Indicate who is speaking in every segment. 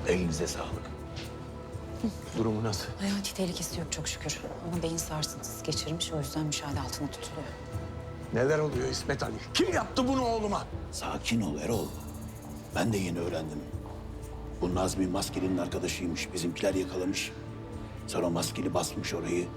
Speaker 1: Elinize sağlık. Durumu nasıl?
Speaker 2: Hayati tehlikesi yok çok şükür. Ama beyin sarsıntısı geçirmiş, o yüzden müşahede altında tutuluyor.
Speaker 1: Neler oluyor İsmet Ali? Kim yaptı bunu oğluma?
Speaker 3: Sakin ol Erol. Ben de yeni öğrendim. Bu Nazmi Maskeli'nin arkadaşıymış. Bizimkiler yakalamış. Sonra Maskeli basmış orayı.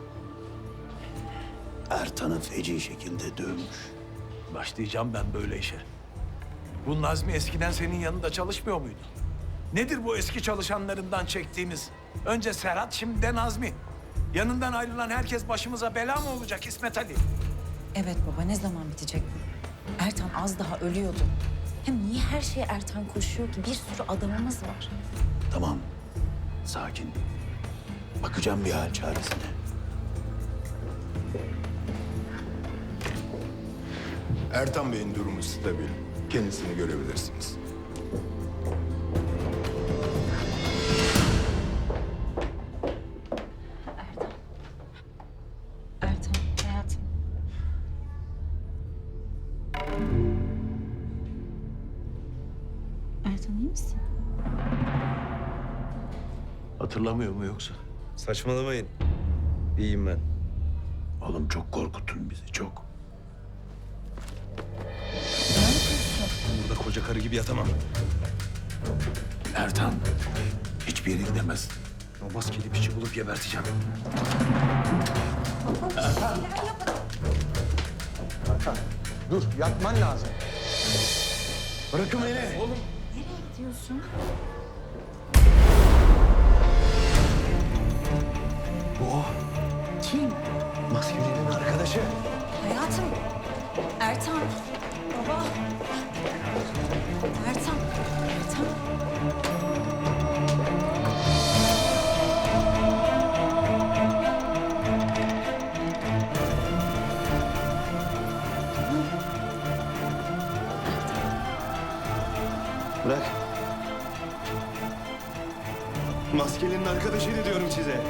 Speaker 3: Ertan'ı feci şekilde dövmüş.
Speaker 1: Başlayacağım ben böyle işe. Bu Nazmi eskiden senin yanında çalışmıyor muydu? Nedir bu eski çalışanlarından çektiğimiz? Önce Serhat, şimdi de Nazmi. Yanından ayrılan herkes başımıza bela mı olacak İsmet Ali?
Speaker 2: Evet baba, ne zaman bitecek bu? Ertan az daha ölüyordu. Hem niye her şeye Ertan koşuyor ki? Bir sürü adamımız var.
Speaker 3: Tamam. Sakin. Bakacağım bir hal çaresine.
Speaker 4: Ertan Bey'in durumu stabil. Kendisini görebilirsiniz.
Speaker 2: Ertan, hayatım. Ertan iyi misin?
Speaker 1: Hatırlamıyor mu yoksa?
Speaker 5: Saçmalamayın. İyiyim ben.
Speaker 3: Oğlum çok korkuttun bizi, çok.
Speaker 5: Burada koca karı gibi yatamam.
Speaker 1: Ertan hiçbir yere gidemez.
Speaker 5: O maskeli piçi bulup geberteceğim.
Speaker 6: Dur, yatman lazım.
Speaker 5: Bırakın beni. Oğlum.
Speaker 2: Nereye gidiyorsun? Kim?
Speaker 5: Maskeli'nin arkadaşı.
Speaker 2: Hayatım. Ertan. Baba. Ertan. Ertan.
Speaker 5: Bırak. Maskeli'nin arkadaşıydı diyorum size.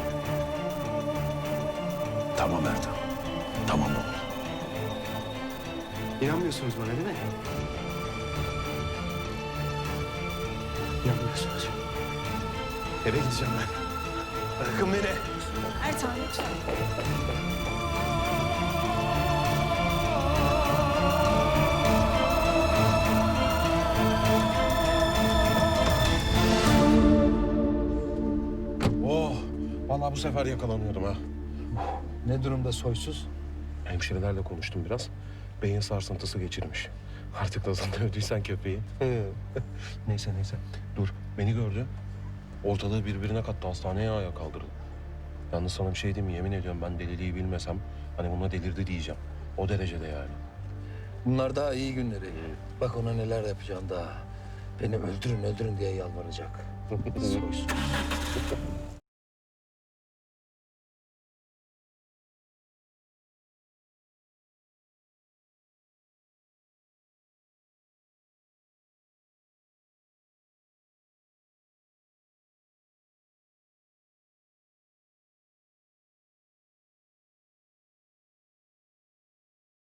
Speaker 3: Tamam Ertan. Tamam oğlum.
Speaker 5: İnanmıyorsunuz bana değil mi? İnanmıyorsunuz. Eve gideceğim ben. Bırakın beni.
Speaker 2: Ertan lütfen.
Speaker 7: Oh, vallahi bu sefer yakalanıyorum ha.
Speaker 6: Ne durumda soysuz?
Speaker 7: Hemşirelerle konuştum biraz. Beyin sarsıntısı geçirmiş. Artık nasıl dövdüysen köpeği. Neyse. Dur, beni gördü. Ortalığı birbirine kattı. Hastaneye ayağa kaldırdı. Yalnız sana bir şey diyeyim mi? Yemin ediyorum ben deliliği bilmesem... ...hani buna delirdi diyeceğim. O derecede yani.
Speaker 6: Bunlar daha iyi günleri. Bak ona neler yapacağım daha. Beni öldürün diye yalvaracak. Soysuz.